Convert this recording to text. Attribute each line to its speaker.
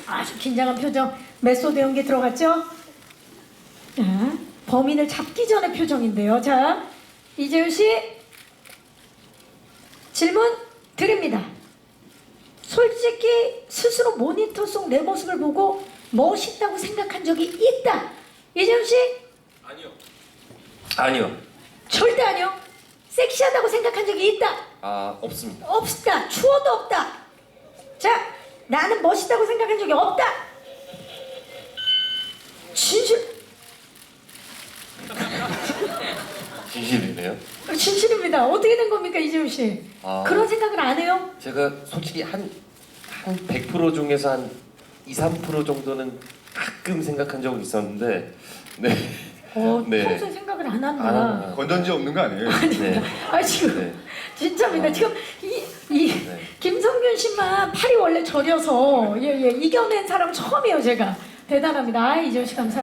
Speaker 1: 아주 긴장한 표정. 메소드 연기 들어갔죠? 자, 범인을 잡기 전의 표정인데요. 자, 이재훈 씨 질문 드립니다. 솔직히 스스로 모니터 속 내 모습을 보고 멋있다고 생각한 적이 있다. 이재훈 씨?
Speaker 2: 아니요. 아니요.
Speaker 1: 절대 아니요. 섹시하다고 생각한 적이 있다.
Speaker 2: 아, 없습니다.
Speaker 1: 없다. 추워도 없다. 자, 나는 멋있다고 생각한 적이 없다. 진실.
Speaker 2: 진실이네요.
Speaker 1: 진실입니다. 어떻게 된 겁니까, 이재훈 씨?
Speaker 2: 아.
Speaker 1: 그런 생각을 안 해요?
Speaker 2: 제가 솔직히 한 100% 중에서 한 2, 3% 정도는 가끔 생각한 적은 있었는데 네. 네.
Speaker 1: 평소에 생각을 안 한다.
Speaker 2: 아,
Speaker 3: 건전지 없는 거 아니에요?
Speaker 2: 네.
Speaker 1: 아, 지금
Speaker 2: 네.
Speaker 1: 진짜입니다.
Speaker 2: 아.
Speaker 1: 지금 이
Speaker 2: 네.
Speaker 1: 김성균 씨만 팔이 원래 저려서 이겨낸 사람 처음이에요, 제가. 대단합니다. 아, 이재훈 씨 감사.